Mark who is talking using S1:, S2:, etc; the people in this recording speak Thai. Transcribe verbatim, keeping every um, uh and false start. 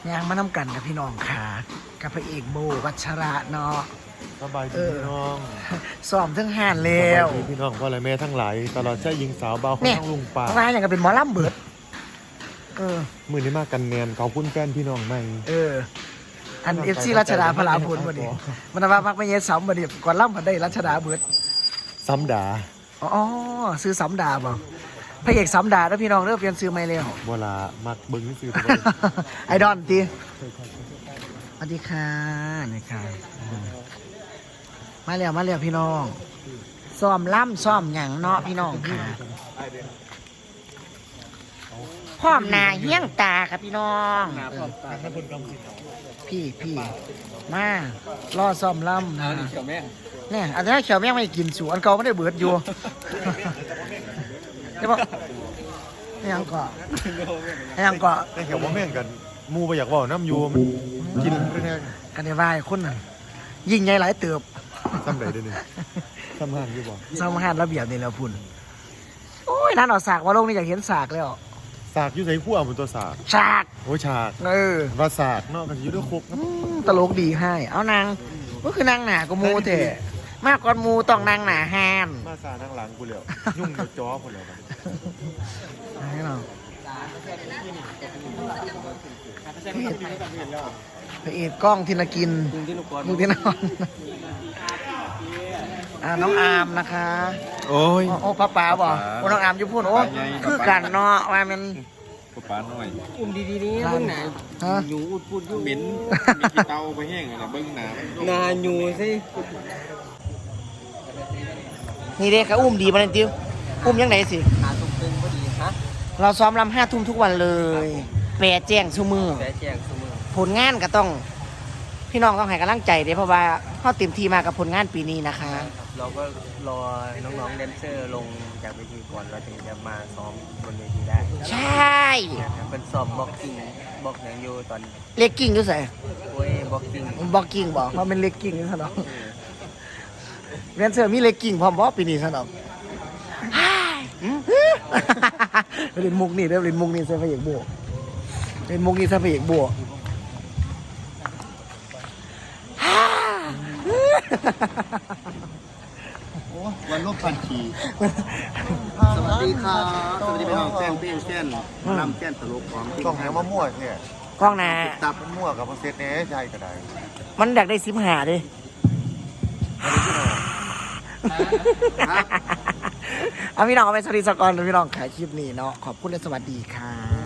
S1: ยางมานำกันกับพี่น้องค่ะกับพระเอกโบวัชระเนาะ
S2: สบายดีพี่น้อง
S1: ซ้อมทั้งห้านแล้
S2: วสบายดีพี่น้องพ่อและแม่ทั้งหลายตลอดใช้ยิงสาวเบาของทั้งลุงป่า
S1: ว่าอย่างกับเป็นหมอลำเบิดเออ
S2: มือนี้มากกันแนนเขาพุ่นแฟนพี่น้องใหม่
S1: เอออันเอฟซีรัชดาพลาพลพอดีมันว่ามักไม่เย็ดซ้ำพอดีก่อนล่ำมันได้รัชดาเบิด
S2: ซ้ำดา
S1: อ๋อซื้อซ้ำดาบ่พระเอกซ้ำดาแล้วพี่น้องเริ่มเปลี่ยนซื้อไม่เร็ว
S2: เวลามักเบิ้งนี่ซื้อ
S1: ไอดอนตีสวัสดีค่ะนี่ค่ะมาเร็วมาเร็วพี่น้องซ้อมล่ำซ้อมหยังเนาะพี่น้องค่ะพร้อมหน้าเหี้ยงตาครับพี่น้องพี่พี่มาล่อซ้อมล่ำนะเนี่ยอันนี้เขียวแม่งไม่กินสูอันเก่าไม่ได้เบิดอยู่ใช่ปะยังเกาะยังเกาะ
S2: แต่เขียวว่าแม่งกันมูไปอยากบอกน้ำยูมันกินไปแน่
S1: กันในวายคนน่ะยิ่งใหญ่หลายเติบ
S2: ซ้ำไหนได้เนี่ยซ้ำห้างอยู่บ่
S1: ซ้ำห้างระเบียบนี่แล้วพุ่นโอ้ยนั่นเอาสากมาลงนี่อยากเห็นสากแล้ว
S2: สากอยู่ใส่ขั้วบนตัวสาก
S1: สาก
S2: โอ้ฉาก
S1: เออ
S2: ว่าสากเนาะกันอยู่ด้วยคุก
S1: ตลกดีให้เอานางก็คือนางหนาก็มูเถอะมากกว่ามูต้องนางหนาห้าม
S2: มาสานั่งหลังกูเหลียวยุ่งกับจ้อคนเลย
S1: ให้เราพระเอกกล้องทินกินมึงที่นอนอ่าน้องอามนะคะ
S2: โอ้ย
S1: โอ้ป้าป๋าบอกโอ้น้องอามอยู่พูดโอ้คือกันเนาะว่ามัน
S3: ป้าป๋าหน่อยอุ้มดีๆนี้เบิ้งหนาหนูอุดพูดยุ่งเหม็นมีกี่เตาไปแห้งอะไรเบิ้งหนานาหนูสิ
S1: นี่เด็กเขาอุ้มดีมาเลยติ้วอุ้มยังไงสิ
S3: ขาตรงตึงพอดีฮะ
S1: เราซ้อมรำห้าทุ่มทุกวันเลยแปรแจ้งชั่วมือ
S3: แปรแจ้งชั่วมือ
S1: ผลงานก็ต้องพี่น้องต้องให้กำลังใจเด้เพราะว่าเขาเต็มที่มากับผลงานปีนี้นะคะ
S3: เราก็รอน้องๆแดนเซอร์ลงจากเวทีก่อนเราถึงจะมาซ้อมบนเวทีได้
S1: ใช่
S3: เป็นสอบบ็อกกิ้งบ็อกอย่างอยู่ตอน
S1: เล็กกิ้งด้วยใส่
S3: โอ้ยบ็อกกิ้ง
S1: บ็อกกิ้งบอกเพราะเป็นเล็กกิ้งนี่ซะเนาะแดนเซอร์มีเล็กกิ้งพร้อมบ่ปีนี้ซะเนาะเล่นมุกนี่เด้อเล่นมุกนี่ใส่พระเอกบัวเล่นมุกนี่ใส่พระเอกบัว
S2: วันลบพันที
S3: สวัสดีครับสวัสดีพี่น้องแจ้งเปี้ยงแจ้งนำแจ้งตลกของ
S2: กล้องแหงมามั่วเนี่ย
S1: กล้องนา
S2: ตับมันมั่วกับเซตเนี้ใช่ก็ได้
S1: มันอยากได้ซิมหาดิเอาพี่น้องเอาไปสวัสดีสกอร์พี่น้องขายคลิปนี้เนาะขอบคุณและสวัสดีค่ะ